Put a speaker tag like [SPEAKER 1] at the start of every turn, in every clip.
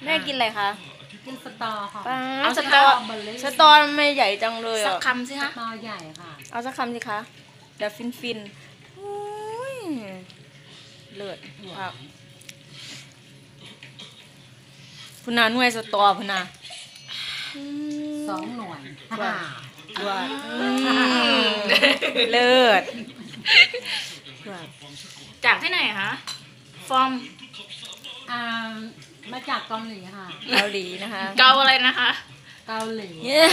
[SPEAKER 1] แม่กินอะไรคะ
[SPEAKER 2] กินสตอค่ะ
[SPEAKER 1] เอาสตอไม่ใหญ่จังเลย
[SPEAKER 3] สักคำสิคะ
[SPEAKER 2] สตอใหญ่ค่ะ
[SPEAKER 1] เอาสักคำสิคะเดี๋ยวฟินเลิศครับพุนาหน่วยสตอพุนา
[SPEAKER 2] 2 หน่วย
[SPEAKER 1] ว่าเลิศ
[SPEAKER 3] จากที่ไหนคะฟอร์ม
[SPEAKER 2] มาจากเกาหลีค่ะ
[SPEAKER 1] เกาหลีนะคะ
[SPEAKER 3] เกาอะไรนะคะ
[SPEAKER 2] เกาหลี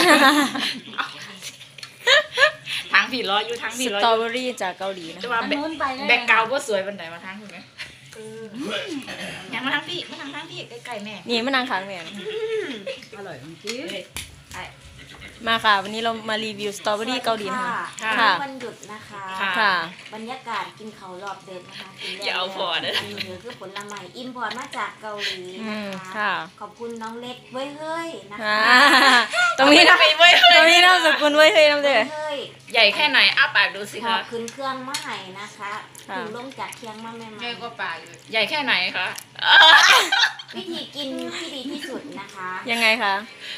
[SPEAKER 3] ทางผีร้อยอยู่ทางผีร้อย
[SPEAKER 1] สตรอเบอรี่จากเกาหลีนะ
[SPEAKER 3] จะมาแบกเกาก็สวยบันไดมาทางถูกไหมอยากมาทางพี่ใกล้ๆแม่
[SPEAKER 1] นี่มันนางขางแม่
[SPEAKER 2] อร่อยจริง
[SPEAKER 1] มาค่ะวันนี้เรามารีวิวสตรอเบอรี่เกาหลีค่ะ
[SPEAKER 4] วันหยุดนะคะบรรยากาศกินเขารอบเดินนะคะ
[SPEAKER 3] อย่าเอาพอนะ
[SPEAKER 4] อันนี้คือผลไม้อิมพอร์ตมาจากเกาหลีนะคะขอบคุณน้องเล็กเว้ยเฮ้ยนะคะ
[SPEAKER 1] ตรงนี้นะตรงนี้น่าสกุลเว้ยเฮ้ยน้ำเดือด
[SPEAKER 3] ใหญ่แค่ไหนอ้าปากดูสิคะ
[SPEAKER 4] ขึ้นเครื่องมาให้นะคะถึงลงจากเคียงมาแม่
[SPEAKER 3] ใหญ่กว่าปากใหญ่แค่ไหนคะ
[SPEAKER 4] วิธีกินที่ดีที่สุดนะคะ
[SPEAKER 1] ยังไงคะ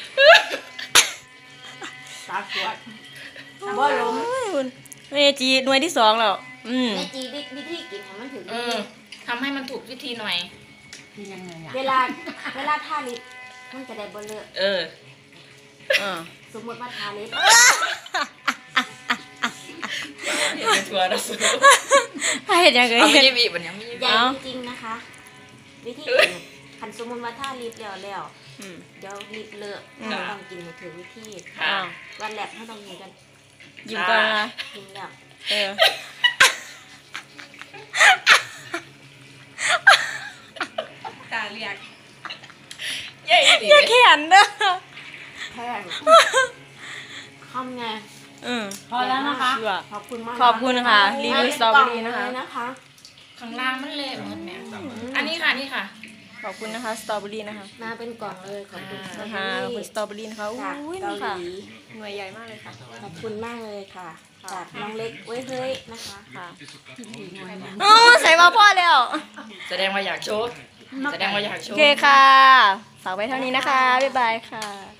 [SPEAKER 4] สาขวดบ่ล้ม
[SPEAKER 1] เมจีหน่วยที่2แล้ว
[SPEAKER 4] เมจีวิธีกินให้มันถึง
[SPEAKER 3] ทำให้มันถูกวิธีหน่อย
[SPEAKER 2] ยังไง
[SPEAKER 4] เวลาทาลิปมันจะได้บ่เลอะสมมติว่าทาลิป
[SPEAKER 3] ชัวร์นะสุด
[SPEAKER 1] เห็นยังไง
[SPEAKER 3] ไม่บีบมันยังไม่
[SPEAKER 4] ใหญ่จริงนะคะวิธีขันสมมติว่าทาลิปแล้วเดี๋ยวลิปเลอะต้องกินให้ถึงวิธีวันแรกไม่ต้องกินกัน
[SPEAKER 1] ยิ้มก่อนนะ
[SPEAKER 4] ยิ้มแล้ว
[SPEAKER 3] ตาเรียกใหญ่ดิ
[SPEAKER 1] อย่าแขนเด้อ
[SPEAKER 4] แพงคำไง
[SPEAKER 2] พอแล้วนะคะ
[SPEAKER 4] ขอบคุณมาก
[SPEAKER 1] ขอบคุณค่ะรีวิวสตรอเบอรี่นะคะ
[SPEAKER 3] ข้างล่างมันเละเหมือนแม่อันนี้ค่ะนี่ค่ะ
[SPEAKER 1] ขอบคุณนะคะสตรอเบอรี่นะคะ
[SPEAKER 4] มาเป็นกล่องเลยขอบคุณ
[SPEAKER 1] นะคะคุณสตรอเบอรี่นะคะอุ้ยนี่ค่ะหน่วยใหญ่มากเลยค่ะ
[SPEAKER 4] ขอบคุณมากเลยค่ะจากน้องเล็กเว้ยเฮ้ยนะคะ
[SPEAKER 1] ค่ะใส่มาพ่อแล้ว
[SPEAKER 3] แสดงว่าอยากโชว์
[SPEAKER 1] โอเคค่ะฝากไว้เท่านี้นะคะบ๊ายบายค่ะ